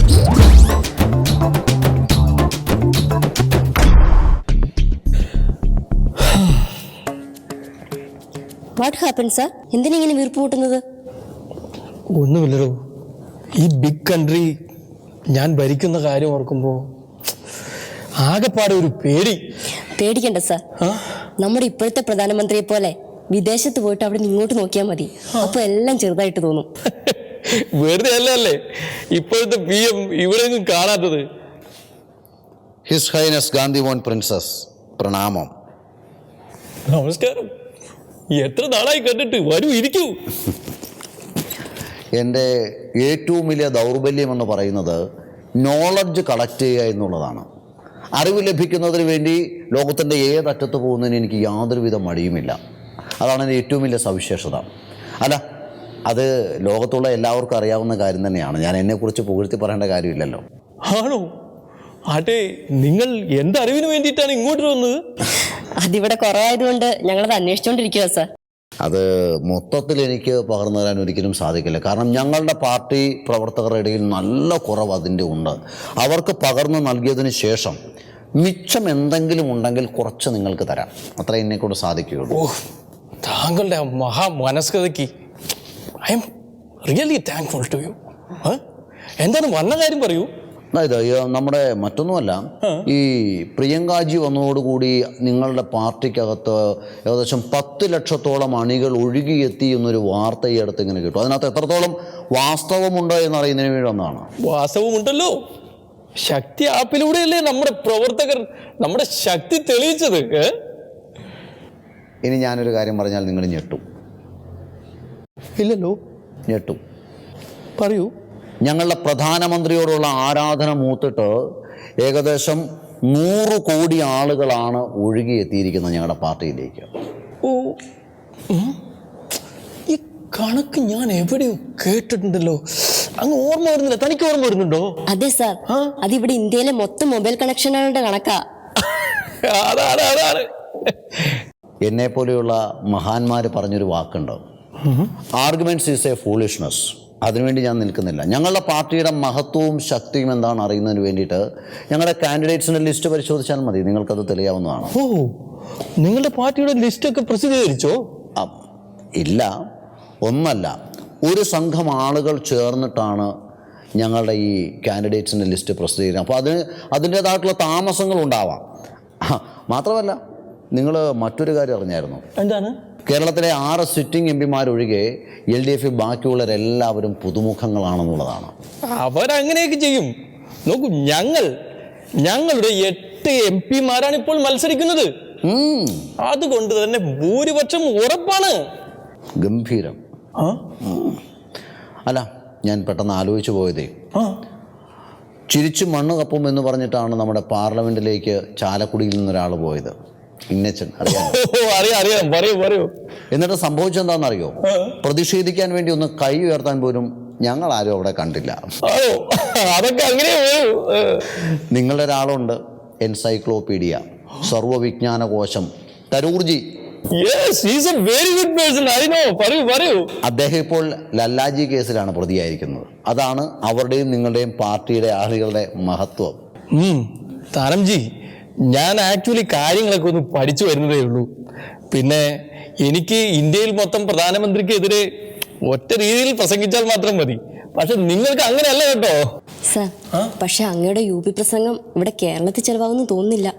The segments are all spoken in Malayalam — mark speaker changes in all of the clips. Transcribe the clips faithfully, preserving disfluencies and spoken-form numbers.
Speaker 1: What happen sir? എന്തിനിങ്ങനെ വീർപ്പ് കൂട്ടുന്നത്?
Speaker 2: ഒന്നുമില്ലല്ലോ, ഈ ബിഗ് കൺട്രി ഞാൻ ഭരിക്കുന്ന കാര്യം ഓർക്കുമ്പോൾ ആകെപ്പാടെ ഒരു പേടി.
Speaker 1: പേടിക്കണ്ട സാർ, നമ്മുടെ ഇപ്പോഴത്തെ പ്രധാനമന്ത്രിയെ പോലെ വിദേശത്ത് പോയിട്ട് അവിടെ നിന്ന് ഇങ്ങോട്ട് നോക്കിയാൽ മതി, അപ്പൊ എല്ലാം ചെറുതായിട്ട് തോന്നും.
Speaker 2: വെറുതെ അല്ലേ ഇപ്പോഴത്തെ പി എം ഇവിടെ ഒന്നും കാണാത്തത്.
Speaker 3: ഹിസ് ഹൈനസ് ഗാന്ധിമോഹൻ പ്രിൻസസ്, പ്രണാമം.
Speaker 2: നമസ്കാരം. എത്ര നാളായി കണ്ടിട്ട്, വരൂ ഇരിക്കൂ.
Speaker 3: എൻ്റെ ഏറ്റവും വലിയ ദൗർബല്യം എന്ന് പറയുന്നത് നോളജ് കളക്ട് ചെയ്യുക എന്നുള്ളതാണ്. അറിവ് ലഭിക്കുന്നതിന് വേണ്ടി ലോകത്തിൻ്റെ ഏതറ്റത്ത് പോകുന്നതിന് എനിക്ക് യാതൊരുവിധ മടിയുമില്ല. അതാണ് എൻ്റെ ഏറ്റവും വലിയ സവിശേഷത. അല്ല, അത് ലോകത്തുള്ള എല്ലാവർക്കും അറിയാവുന്ന കാര്യം തന്നെയാണ്. ഞാൻ എന്നെക്കുറിച്ച് പുകഴ്ത്തി പറയേണ്ട കാര്യമില്ലല്ലോ.
Speaker 2: ആണോ? ആട്ടെ, നിങ്ങൾ എന്തറിവിന് വേണ്ടിയിട്ടാണ് ഇങ്ങോട്ട് വന്നത്?
Speaker 1: അതിവിടെ കുറവായതുകൊണ്ട് ഞങ്ങളത് അന്വേഷിച്ചുകൊണ്ടിരിക്കുക സാർ.
Speaker 3: അത് മൊത്തത്തിൽ എനിക്ക് പകർന്നു തരാൻ ഒരിക്കലും സാധിക്കില്ല. കാരണം ഞങ്ങളുടെ പാർട്ടി പ്രവർത്തകരുടെ ഇടയിൽ നല്ല കുറവ് അതിൻ്റെ ഉണ്ട്. അവർക്ക് പകർന്നു നൽകിയതിന് ശേഷം മിച്ചം എന്തെങ്കിലും ഉണ്ടെങ്കിൽ കുറച്ച് നിങ്ങൾക്ക് തരാം. അത്ര എന്നെക്കൊണ്ട് സാധിക്കുകയുള്ളൂ.
Speaker 2: ഓ, താങ്കളുടെ മഹാ മനസ്കതയ്ക്ക് I am really thankful to you. എന്താണ് വന്ന കാര്യം പറയൂ.
Speaker 3: അതായത് നമ്മുടെ മറ്റൊന്നുമല്ല, ഈ പ്രിയങ്കാജി വന്നതോടുകൂടി നിങ്ങളുടെ പാർട്ടിക്കകത്ത് ഏകദേശം പത്ത് ലക്ഷത്തോളം അണികൾ ഒഴുകിയെത്തി എന്നൊരു വാർത്ത ഈ അടുത്ത് ഇങ്ങനെ കിട്ടും. അതിനകത്ത് എത്രത്തോളം വാസ്തവമുണ്ട് എന്നറിയുന്നതിന് വേണ്ടി വന്നതാണ്.
Speaker 2: വാസ്തവമുണ്ടല്ലോ. ശക്തി ആപ്പിലൂടെയല്ലേ നമ്മുടെ പ്രവർത്തകർ നമ്മുടെ ശക്തി തെളിയിച്ചത്.
Speaker 3: ഇനി ഞാനൊരു കാര്യം പറഞ്ഞാൽ നിങ്ങൾ ഞെട്ടും.
Speaker 2: ഇല്ലല്ലോ.
Speaker 3: ഞെട്ടും.
Speaker 2: പറയൂ.
Speaker 3: ഞങ്ങളുടെ പ്രധാനമന്ത്രിയോടുള്ള ആരാധന മൂത്തിട്ട് ഏകദേശം നൂറ് കോടി ആളുകളാണ് ഒഴുകിയെത്തിയിരിക്കുന്നത് ഞങ്ങളുടെ പാർട്ടിയിലേക്ക്.
Speaker 2: ഓ, ഈ കണക്ക് ഞാൻ എവിടെയോ കേട്ടിട്ടുണ്ടല്ലോ. അങ്ങ് ഓർമ്മ വരുന്നില്ല. തനിക്ക് ഓർമ്മ വരുന്നുണ്ടോ?
Speaker 1: അതെ സാർ, അതിവിടെ ഇന്ത്യയിലെ മൊത്തം മൊബൈൽ കണക്ഷനുകളുടെ കണക്കാ.
Speaker 2: അതാണ് അതാണ്
Speaker 3: എന്നെ പോലെയുള്ള മഹാന്മാർ പറഞ്ഞൊരു വാക്കുണ്ട്, ആർഗ്യുമെന്റ്സ് ഈസ് എ ഫൂളിഷ്നെസ്. അതിനുവേണ്ടി ഞാൻ നിൽക്കുന്നില്ല. ഞങ്ങളുടെ പാർട്ടിയുടെ മഹത്വവും ശക്തിയും എന്താണെന്ന് അറിയുന്നതിന് വേണ്ടിയിട്ട് ഞങ്ങളുടെ കാൻഡിഡേറ്റ്സിൻ്റെ ലിസ്റ്റ് പരിശോധിച്ചാൽ മതി, നിങ്ങൾക്കത് തെളിയാവുന്നതാണ്.
Speaker 2: ഓ, നിങ്ങളുടെ പാർട്ടിയുടെ ലിസ്റ്റൊക്കെ പ്രസിദ്ധീകരിച്ചോ?
Speaker 3: ഇല്ല, ഒന്നല്ല, ഒരു സംഘം ആളുകൾ ചേർന്നിട്ടാണ് ഞങ്ങളുടെ ഈ കാൻഡിഡേറ്റ്സിൻ്റെ ലിസ്റ്റ് പ്രസിദ്ധീകരിക്കുന്നത്. അപ്പോൾ അതിന് അതിൻ്റേതായിട്ടുള്ള താമസങ്ങളുണ്ടാവാം. മാത്രമല്ല, നിങ്ങൾ മറ്റൊരു കാര്യം അറിഞ്ഞായിരുന്നു?
Speaker 2: എന്താണ്?
Speaker 3: കേരളത്തിലെ ആറ് സിറ്റിംഗ് എം പിമാരൊഴികെ എൽ ഡി എഫ് ബാക്കിയുള്ളവരെല്ലാവരും പുതുമുഖങ്ങളാണെന്നുള്ളതാണ്.
Speaker 2: അവരങ്ങനെയൊക്കെ ചെയ്യും. നോക്കൂ, ഞങ്ങൾ ഞങ്ങളുടെ എട്ട് എം പിമാരാണ് ഇപ്പോൾ മത്സരിക്കുന്നത്. അതുകൊണ്ട് തന്നെ ഭൂരിപക്ഷം ഉറപ്പാണ്.
Speaker 3: ഗംഭീരം. അല്ല, ഞാൻ പെട്ടെന്ന് ആലോചിച്ചു പോയതേ, ചിരിച്ചു മണ്ണ് കപ്പും എന്ന് പറഞ്ഞിട്ടാണ് നമ്മുടെ പാർലമെന്റിലേക്ക് ചാലക്കുടിയിൽ നിന്നൊരാൾ പോയത്. ഇന്നച്ചൻ, അറിയാം?
Speaker 2: അറിയാം, പറയൂ പറയൂ.
Speaker 3: എന്നിട്ട് സംഭവിച്ചെന്താണെന്നറിയോ? പ്രതിഷേധിക്കാൻ വേണ്ടി ഒന്ന് കൈ ഉയർത്താൻ പോലും ഞങ്ങൾ ആരും അവിടെ കണ്ടില്ല.
Speaker 2: അതൊക്കെ അങ്ങനെ.
Speaker 3: നിങ്ങളുടെ ഒരാളുണ്ട്, എൻസൈക്ലോപീഡിയ, സർവവിജ്ഞാനകോശം, തരൂർജി. അദ്ദേഹം ഇപ്പോൾ ലല്ലാജി കേസിലാണ് പ്രതിയായിരിക്കുന്നത്. അതാണ് അവരുടെയും നിങ്ങളുടെയും പാർട്ടിയുടെ ആളുകളുടെ മഹത്വം.
Speaker 2: താരംജി, ഞാൻ ആക്ച്വലി കാര്യങ്ങളൊക്കെ ഒന്ന് പഠിച്ചു വരുന്നതേ ഉള്ളൂ. പിന്നെ എനിക്ക് ഇന്ത്യയിൽ മൊത്തം പ്രധാനമന്ത്രിക്കെതിരെ ഒറ്റ രീതിയിൽ പ്രസംഗിച്ചാൽ മാത്രം മതി. പക്ഷെ നിങ്ങൾക്ക് അങ്ങനെയല്ല കേട്ടോ
Speaker 1: സാർ. പക്ഷെ അങ്ങയുടെ യു പി പ്രസംഗം ഇവിടെ കേരളത്തിൽ ചെലവാകുന്നു തോന്നുന്നില്ല.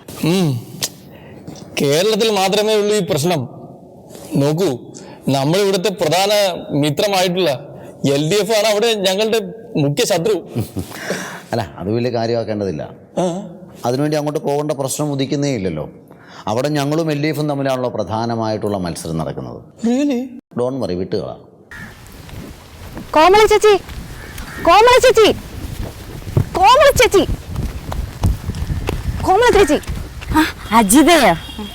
Speaker 2: കേരളത്തിൽ മാത്രമേ ഉള്ളൂ ഈ പ്രശ്നം. നോക്കൂ, നമ്മൾ ഇവിടുത്തെ പ്രധാന മിത്രമായിട്ടുള്ള എൽ ഡി എഫ് ആണ് അവിടെ ഞങ്ങളുടെ മുഖ്യ ശത്രു.
Speaker 3: അല്ല, അത് വലിയ കാര്യമാക്കേണ്ടതില്ല. അതിനുവേണ്ടി അങ്ങോട്ട് പോകേണ്ട പ്രശ്നം ഉദിക്കുന്നേ ഇല്ലല്ലോ. അവിടെ ഞങ്ങളും എൽ ഡി എഫും തമ്മിലാണല്ലോ പ്രധാനമായിട്ടുള്ള മത്സരം നടക്കുന്നത്. Don't worry, വിട്ടുകളാ.
Speaker 4: കോമള ചേച്ചി, കോമള ചേച്ചി, കോമള ചേച്ചി, കോമള ചേച്ചി.
Speaker 5: അജിതയോ?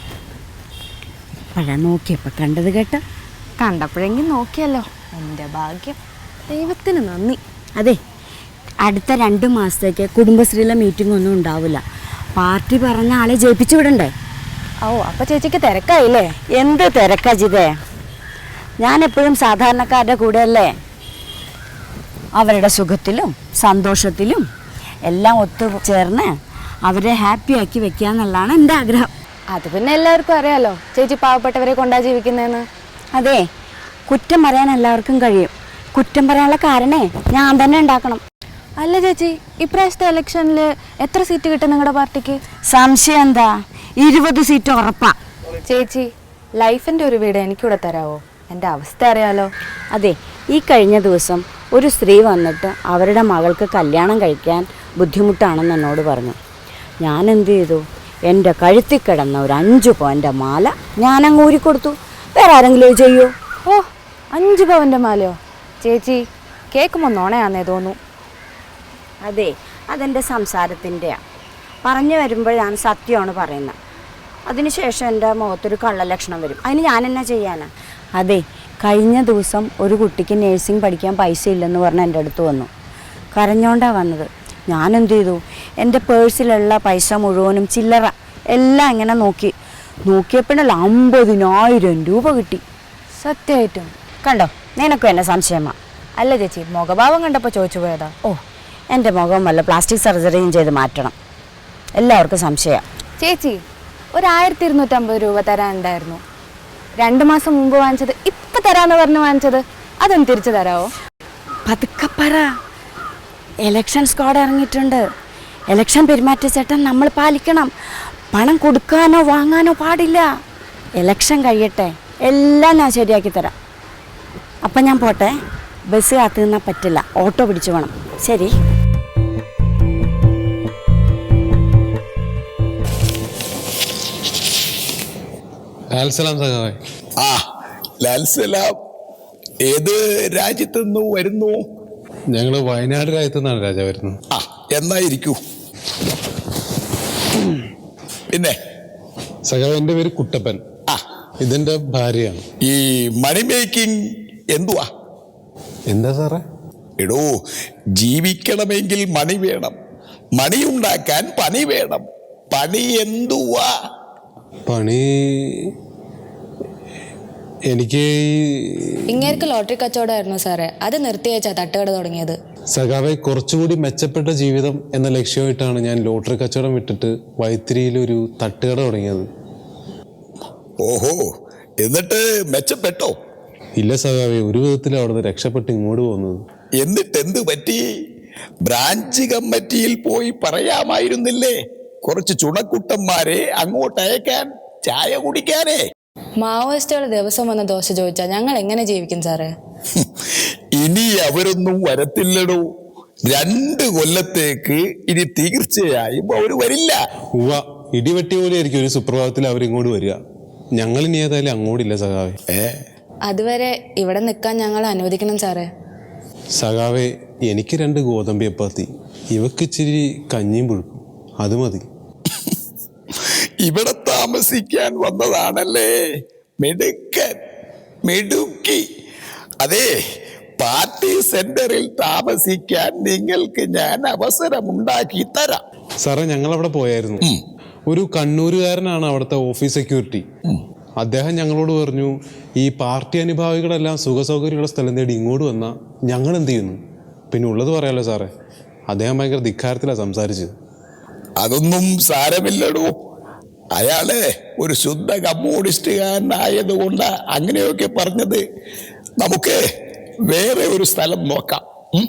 Speaker 5: പഴ നോക്കിയപ്പോ കണ്ടത് കേട്ട?
Speaker 4: കണ്ടപ്പോഴെങ്കിൽ നോക്കിയല്ലോ. എൻ്റെ ഭാഗ്യം. ദൈവത്തിന് നന്ദി.
Speaker 5: അതെ, അടുത്ത രണ്ട് മാസത്തേക്ക് കുടുംബശ്രീയിലെ മീറ്റിംഗ് ഒന്നും ഉണ്ടാവില്ല. പാർട്ടി പറഞ്ഞ ആളെ ജയിപ്പിച്ചു വിടണ്ടേ?
Speaker 4: ഓ, അപ്പൊ ചേച്ചിക്ക് തിരക്കായില്ലേ?
Speaker 5: എന്ത് തിരക്കാ ജിതേ? ഞാൻ എപ്പോഴും സാധാരണക്കാരുടെ കൂടെ അല്ലേ. അവരുടെ സുഖത്തിലും സന്തോഷത്തിലും എല്ലാം ഒത്തു ചേർന്ന് അവരെ ഹാപ്പിയാക്കി വെക്കുക എന്നുള്ളതാണ് എൻ്റെ ആഗ്രഹം.
Speaker 4: അത് പിന്നെ എല്ലാവർക്കും അറിയാലോ ചേച്ചി പാവപ്പെട്ടവരെ കൊണ്ടാ ജീവിക്കുന്നതെന്ന്.
Speaker 5: അതെ, കുറ്റം പറയാൻ എല്ലാവർക്കും കഴിയും. കുറ്റം പറയാനുള്ള കാരണേ ഞാൻ തന്നെ ഉണ്ടാക്കണം.
Speaker 4: അല്ല ചേച്ചി, ഇപ്രാവശ്യത്തെ ഇലക്ഷനിൽ എത്ര സീറ്റ് കിട്ടും നിങ്ങളുടെ പാർട്ടിക്ക്?
Speaker 5: സംശയം എന്താ? ഇരുപത് സീറ്റ് ഉറപ്പാ.
Speaker 4: ചേച്ചി, ലൈഫിൻ്റെ ഒരു വീട് എനിക്കിവിടെ തരാമോ? എൻ്റെ അവസ്ഥ അറിയാലോ.
Speaker 5: അതെ, ഈ കഴിഞ്ഞ ദിവസം ഒരു സ്ത്രീ വന്നിട്ട് അവരുടെ മകൾക്ക് കല്യാണം കഴിക്കാൻ ബുദ്ധിമുട്ടാണെന്ന് എന്നോട് പറഞ്ഞു. ഞാൻ എന്ത് ചെയ്തു? എൻ്റെ കഴുത്തിൽ കിടന്ന ഒരു അഞ്ച് പവൻ്റെ മാല ഞാനങ്ങ് ഊരിക്കൊടുത്തു. വേറെ ആരെങ്കിലും ചെയ്യൂ?
Speaker 4: ഓ, അഞ്ച് പവൻ്റെ മാലയോ? ചേച്ചി, കേൾക്കുമ്പോൾ നോണയാന്നേ തോന്നു.
Speaker 5: അതെ, അതെൻ്റെ സംസാരത്തിൻ്റെയാണ്. പറഞ്ഞു വരുമ്പോൾ ഞാൻ സത്യമാണ് പറയുന്നത്. അതിനുശേഷം എൻ്റെ മുഖത്തൊരു കള്ളലക്ഷണം വരും. അതിന് ഞാൻ എന്നാ ചെയ്യാനാ? അതെ, കഴിഞ്ഞ ദിവസം ഒരു കുട്ടിക്ക് നേഴ്സിംഗ് പഠിക്കാൻ പൈസ ഇല്ലെന്ന് പറഞ്ഞ് എൻ്റെ അടുത്ത് വന്നു. കരഞ്ഞോണ്ടാണ് വന്നത്. ഞാൻ എന്ത് ചെയ്തു? എൻ്റെ പേഴ്സിലുള്ള പൈസ മുഴുവനും ചില്ലറ എല്ലാം ഇങ്ങനെ നോക്കി നോക്കിയപ്പോഴല്ല അമ്പതിനായിരം രൂപ കിട്ടി.
Speaker 4: സത്യമായിട്ടും?
Speaker 5: കണ്ടോ, നിനക്കും എന്നെ സംശയമാ?
Speaker 4: അല്ല ചേച്ചി, മുഖഭാവം കണ്ടപ്പോൾ ചോദിച്ചു പോയതാ.
Speaker 5: ഓ, എൻ്റെ മുഖം വല്ല പ്ലാസ്റ്റിക് സർജറിയും ചെയ്ത് മാറ്റണം. എല്ലാവർക്കും സംശയം.
Speaker 4: ചേച്ചി, ഒരു ആയിരത്തി ഇരുന്നൂറ്റമ്പത് രൂപ തരാനുണ്ടായിരുന്നു. രണ്ട് മാസം മുമ്പ് വാങ്ങിച്ചത് ഇപ്പം തരാമെന്ന് പറഞ്ഞ് വാങ്ങിച്ചത്, അതൊന്ന് തിരിച്ചു തരാമോ?
Speaker 5: പതുക്കെ പറ. എലക്ഷൻ സ്ക്വാഡ് ഇറങ്ങിയിട്ടുണ്ട്. എലക്ഷൻ പെരുമാറ്റച്ചട്ടം നമ്മൾ പാലിക്കണം. പണം കൊടുക്കാനോ വാങ്ങാനോ പാടില്ല. എലക്ഷൻ കഴിയട്ടെ, എല്ലാം ഞാൻ ശരിയാക്കി തരാം. അപ്പം ഞാൻ പോട്ടെ. ബസ് കാത്തു നിന്നാൽ പറ്റില്ല, ഓട്ടോ പിടിച്ചു വേണം. ശരി.
Speaker 2: ലാൽസലാം സഖാവേ.
Speaker 6: ആ, ലാൽസലാം. ഏത് രാജ്യത്തു നിന്ന് വരുന്നു?
Speaker 2: ഞങ്ങള് വയനാട് രാജ്യത്തു നിന്നാണ് രാജാ വരുന്നത്.
Speaker 6: ആ, എന്നായിരിക്കൂ. പിന്നെ
Speaker 2: സഖാവ്, എൻ്റെ പേര് കുട്ടപ്പൻ.
Speaker 6: ആ,
Speaker 2: ഇതെന്റെ ഭാര്യയാണ്.
Speaker 6: ഈ മണി മേക്കിംഗ് എന്തുവാ?
Speaker 2: എന്താ സാറേ?
Speaker 6: എടോ, ജീവിക്കണമെങ്കിൽ മണി വേണം, മണി ഉണ്ടാക്കാൻ പണി വേണം. പണി എന്തുവാ?
Speaker 2: പണി എനിക്ക്
Speaker 7: ഇങ്ങേർക്ക് ലോട്ടറി കച്ചവടമായിരുന്നു സാറേ. അത് നിർത്തി വെച്ചാ തട്ടുകട തുടങ്ങിയത്.
Speaker 2: സഖാവെ, കുറച്ചുകൂടി മെച്ചപ്പെട്ട ജീവിതം എന്ന ലക്ഷ്യമായിട്ടാണ് ഞാൻ ലോട്ടറി കച്ചവടം വിട്ടിട്ട് വൈത്തിരിയിലൊരു തട്ടുകട തുടങ്ങിയത്.
Speaker 6: ഓഹോ, എന്നിട്ട് മെച്ചപ്പെട്ടോ?
Speaker 2: ഇല്ല സഖാവെ, ഒരു വിധത്തിൽ അവിടുന്ന് രക്ഷപ്പെട്ട് ഇങ്ങോട്ട് പോകുന്നത്.
Speaker 6: എന്നിട്ട് എന്ത് പറ്റി? ബ്രാഞ്ച് കമ്മിറ്റിയിൽ പോയി പറയാമായിരുന്നില്ലേ? കുറച്ച് ചുണക്കുട്ടന്മാരെ അങ്ങോട്ട് അയക്കാൻ, ചായ കുടിക്കാനേ.
Speaker 7: മാവോയിസ്റ്റുകൾ ദിവസം വന്ന ദോശ ചോദിച്ചാൽ ഞങ്ങൾ എങ്ങനെ ജീവിക്കും സാറേ?
Speaker 6: ഇനി അവരൊന്നും വരത്തില്ലടോ. രണ്ട് കൊല്ലത്തേക്ക് ഇനി തീർച്ചയായും അവർ വരില്ല.
Speaker 2: ഉവ്വ, ഇടിവെട്ടി പോലെ ആയിരിക്കും ഒരു സുപ്രഭാതത്തിൽ അവരിങ്ങോട്ട് വരിക. ഞങ്ങൾ ഇനി ഏതായാലും അങ്ങോട്ടില്ല സഖാവെ.
Speaker 6: ഏ
Speaker 7: അതുവരെ ഇവിടെ നിൽക്കാൻ ഞങ്ങൾ അനുവദിക്കണം സാറേ.
Speaker 2: സഖാവെ, എനിക്ക് രണ്ട് ഗോതമ്പ് ചപ്പാത്തി, ഇവക്ക് ഇച്ചിരി കഞ്ഞിയും പുഴുക്കും, അത് മതി.
Speaker 6: ഇവിടെ താമസിക്കാൻ വന്നതാണല്ലേ? മിടുക്കൻ, മിടുക്കി. അതെ, പാർട്ടി സെന്ററിൽ താമസിക്കാൻ നിങ്ങൾക്ക് ഞാൻ അവസരമുണ്ടാക്കി തരാം.
Speaker 2: സാറേ, ഞങ്ങൾ അവിടെ പോയായിരുന്നു. ഒരു കണ്ണൂരുകാരനാണ് അവിടുത്തെ ഓഫീസ് സെക്യൂരിറ്റി. അദ്ദേഹം ഞങ്ങളോട് പറഞ്ഞു, ഈ പാർട്ടി അനുഭാവികളെല്ലാം സുഖ സൗകര്യമുള്ള സ്ഥലം തേടി ഇങ്ങോട്ട് വന്നാൽ ഞങ്ങൾ എന്ത് ചെയ്യുന്നു? പിന്നെ ഉള്ളത് പറയാലോ സാറേ, അദ്ദേഹം ഭയങ്കര ധിക്കാരത്തിലാണ് സംസാരിച്ചത്.
Speaker 6: അതൊന്നും സാരമില്ലടോ. അയാളെ ഒരു ശുദ്ധ കമ്മ്യൂണിസ്റ്റുകാരനായതുകൊണ്ട് അങ്ങനെയൊക്കെ പറഞ്ഞത്. നമുക്ക് വേറെ ഒരു സ്ഥലം നോക്കാം.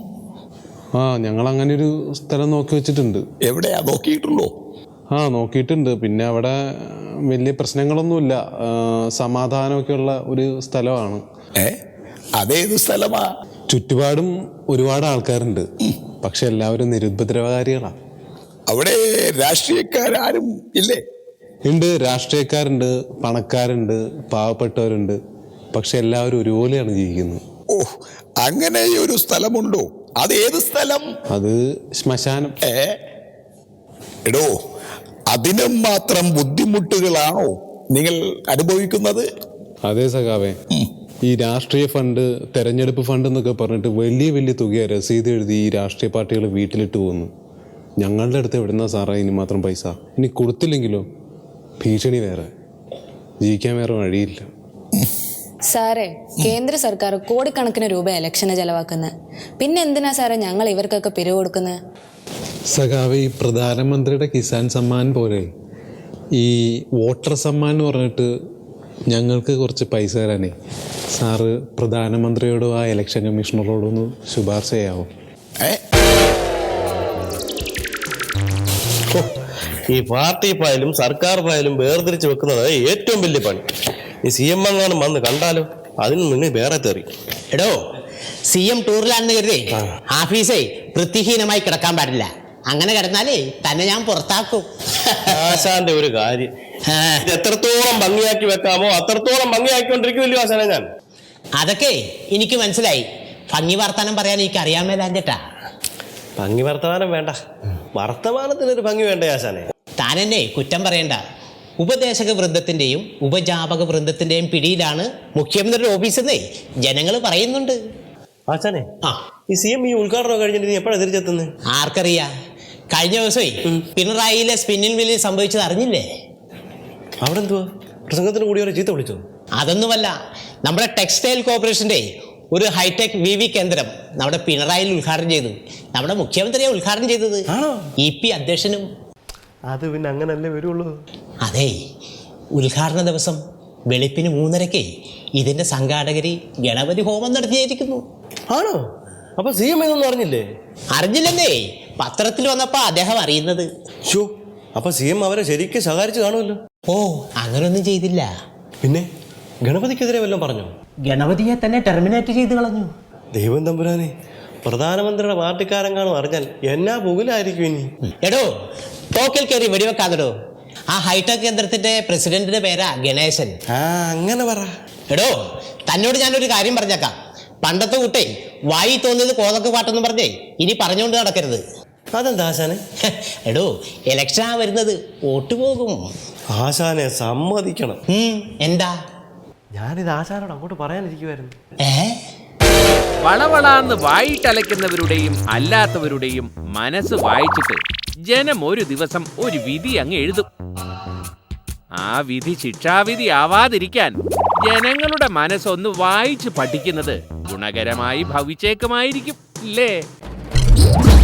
Speaker 2: ആ, ഞങ്ങൾ അങ്ങനെ ഒരു സ്ഥലം നോക്കി വെച്ചിട്ടുണ്ട്.
Speaker 6: എവിടെയാ നോക്കിയിട്ടുള്ളൂ?
Speaker 2: ആ, നോക്കിയിട്ടുണ്ട്. പിന്നെ അവിടെ വലിയ പ്രശ്നങ്ങളൊന്നുമില്ല, സമാധാനമൊക്കെ ഉള്ള ഒരു സ്ഥലമാണ്.
Speaker 6: ഏ അതേത് സ്ഥലമാ?
Speaker 2: ചുറ്റുപാടും ഒരുപാട് ആൾക്കാരുണ്ട്, പക്ഷെ എല്ലാവരും നിരുപദ്രവകാരികളാണ്.
Speaker 6: അവിടെ രാഷ്ട്രീയക്കാരും ഇല്ലേ?
Speaker 2: ഉണ്ട്, രാഷ്ട്രീയക്കാരുണ്ട്, പണക്കാരുണ്ട്, പാവപ്പെട്ടവരുണ്ട്, പക്ഷെ എല്ലാവരും ഒരുപോലെയാണ് ജീവിക്കുന്നത്.
Speaker 6: ഓ, അങ്ങനെ ഒരു സ്ഥലമുണ്ടോ? അത് ഏത് സ്ഥലം?
Speaker 2: അത് ശ്മശാനം.
Speaker 6: ഏ എടോ, അതിനും മാത്രം ബുദ്ധിമുട്ടുകളാണോ നിങ്ങൾ അനുഭവിക്കുന്നത്?
Speaker 2: അതേ സഖാവേ, ഈ രാഷ്ട്രീയ ഫണ്ട്, തെരഞ്ഞെടുപ്പ് ഫണ്ട് എന്നൊക്കെ പറഞ്ഞിട്ട് വലിയ വലിയ തുക രസീത് എഴുതി ഈ രാഷ്ട്രീയ പാർട്ടികൾ വീട്ടിലിട്ട് പോകുന്നു. ഞങ്ങളുടെ അടുത്ത് എവിടുന്നാ സാറേ ഇനി മാത്രം പൈസ? ഇനി കൊടുത്തില്ലെങ്കിലോ ഭീഷണി വേറെ, ജീവിക്കാൻ വേറെ വഴിയില്ല.
Speaker 7: സാറേ കേന്ദ്ര സർക്കാർ കോടിക്കണക്കിന് രൂപ ഇലക്ഷന് ചെലവാക്കുന്നത്. പിന്നെ എന്തിനാ സാറേ ഞങ്ങൾ ഇവർക്കൊക്കെ പിരിവ് കൊടുക്കുന്നത്?
Speaker 8: സഖാവ്, ഈ പ്രധാനമന്ത്രിയുടെ കിസാൻ സമ്മാൻ പോലെ ഈ വോട്ടർ സമ്മാൻ എന്ന് പറഞ്ഞിട്ട് ഞങ്ങൾക്ക് കുറച്ച് പൈസ തരാനേ സാറ് പ്രധാനമന്ത്രിയോടും ആ ഇലക്ഷൻ കമ്മീഷണറോടും ഒന്ന് ശുപാർശ ചെയ്യാവോ?
Speaker 9: ഈ പാർട്ടി ഫയലും സർക്കാർ ഫയലും വേർതിരിച്ച് വെക്കുന്നത് ഏറ്റവും വലിയ പണി. ഈ സി എം എങ്ങാനും വന്ന് കണ്ടാലോ അതിന് മുന്നേ വേറെ തെറി.
Speaker 10: എടോ, സി എം ടൂറിലാണെന്ന് കരുതേ ആഫീസേ വൃത്തിഹീനമായി കിടക്കാൻ പാടില്ല. അങ്ങനെ കിടന്നാലേ തന്നെ ഞാൻ പുറത്താക്കും.
Speaker 9: ആശാന്റെ ഒരു കാര്യം, ഇത് എത്രത്തോളം ഭംഗിയാക്കി വെക്കാമോ അത്രത്തോളം ഭംഗിയാക്കിക്കൊണ്ടിരിക്കുമല്ലോ ആശാനെ ഞാൻ.
Speaker 10: അതൊക്കെ എനിക്ക് മനസ്സിലായി. ഭംഗി വർത്താനം പറയാൻ എനിക്ക് അറിയാൻ മേലാഞ്ഞിട്ടാ.
Speaker 9: ഭംഗി വർത്തമാനം വേണ്ട, വർത്തമാനത്തിനൊരു ഭംഗി വേണ്ട ആശാനെ.
Speaker 10: താൻ എന്നെ കുറ്റം പറയണ്ട. ഉപദേശക വൃന്ദത്തിന്റെയും ഉപജാപക വൃന്ദത്തിന്റെയും പിടിയിലാണ് മുഖ്യമന്ത്രിയുടെ ഓഫീസെന്നേ ജനങ്ങൾ പറയുന്നുണ്ട്.
Speaker 9: ആശാനെ,
Speaker 10: ആ
Speaker 9: ഈ സി എം ഈ ഉദ്ഘാടനം കഴിഞ്ഞിട്ട് നീ എപ്പോഴാണ് തിരിച്ചെത്തുന്നത്?
Speaker 10: ആർക്കറിയാ? കഴിഞ്ഞ ദിവസമേ പിണറായിയിലെ സ്പിന്നിൽ മില്ലിൽ സംഭവിച്ചത് അറിഞ്ഞില്ലേ?
Speaker 9: അവിടെ എന്തുവാ പ്രസംഗത്തിന് കൂടി അവരെ ചീത്ത വിളിച്ചോ?
Speaker 10: അതൊന്നുമല്ല, നമ്മുടെ ടെക്സ്റ്റൈൽ കോർപ്പറേഷന്റെ ഒരു ഹൈടെക് വി വി കേന്ദ്രം നമ്മുടെ പിണറായിൽ ഉദ്ഘാടനം ചെയ്തു. നമ്മുടെ മുഖ്യമന്ത്രിയെ ഉദ്ഘാടനം ചെയ്തത് ഇ പി അധ്യക്ഷനും.
Speaker 9: അത് പിന്നെ അങ്ങനല്ലേ വരുള്ളൂ.
Speaker 10: അതെ, ഉദ്ഘാടന ദിവസം വെളുപ്പിന് മൂന്നരക്ക് ഇതിന്റെ സംഘാടകര് ഗണപതി ഹോമം നടത്തിയായിരിക്കുന്നു.
Speaker 9: ആണോ? അപ്പൊ സി എം ഇതൊന്നും അറിഞ്ഞില്ലേ?
Speaker 10: അറിഞ്ഞില്ലെന്നേ, പത്രത്തിൽ വന്നപ്പോ അദ്ദേഹം അറിയുന്നത്.
Speaker 9: ഷോ, അപ്പൊ സി എം അവരെ ശരിക്കും സഹായിച്ചു കാണുമല്ലോ.
Speaker 10: ഓ, അങ്ങനൊന്നും ചെയ്തില്ല.
Speaker 9: പിന്നെ ഗണപതിക്കെതിരെ വല്ലതും പറഞ്ഞോ?
Speaker 10: ഗണപതിയെ തന്നെ ടെർമിനേറ്റ് ചെയ്ത് കളഞ്ഞു.
Speaker 9: ദൈവം തമ്പുരാനെ, പ്രധാനമന്ത്രിയുടെ പാർട്ടിക്കാരൻ കാണും അറിഞ്ഞാൽ എന്നാ പുകലായിരിക്കും ഇനി.
Speaker 10: എടോ, തോക്കിൽ കയറി വെടിവെക്കാതെടോ. ആ ഹൈടെക് കേന്ദ്രത്തിന്റെ പ്രസിഡന്റിന്റെ പേരാ ഗണേശൻ.
Speaker 9: ആ, അങ്ങനെ പറ.
Speaker 10: എടോ, തന്നോട് ഞാനൊരു കാര്യം പറഞ്ഞേക്കാം. പണ്ടത്തെ കുട്ടേ വായി തോന്നിയത് കോതക്ക് പാട്ടെന്ന് പറഞ്ഞേ ഇനി പറഞ്ഞുകൊണ്ട് നടക്കരുത്.
Speaker 9: അതെന്താ ആശാനെ?
Speaker 10: എടോ, ഇലക്ഷനാ വരുന്നത്, വോട്ട് പോകും.
Speaker 9: ആശാനെ സമ്മതിക്കണം.
Speaker 10: എന്താ?
Speaker 9: ഞാനിത് ആശാനോട് അങ്ങോട്ട് പറയാനിരിക്കുവായിരുന്നു.
Speaker 10: ഏ
Speaker 11: വളവളാന്ന് വായിട്ടലയ്ക്കുന്നവരുടെയും അല്ലാത്തവരുടെയും മനസ്സ് വായിച്ചിട്ട് ജനം ഒരു ദിവസം ഒരു വിധി അങ്ങ് എഴുതും. ആ വിധി ശിക്ഷാവിധി ആവാതിരിക്കാൻ ജനങ്ങളുടെ മനസ്സൊന്ന് വായിച്ച് പഠിക്കുന്നത് ഗുണകരമായി ഭവിച്ചേക്കുമായിരിക്കും, ഇല്ലേ?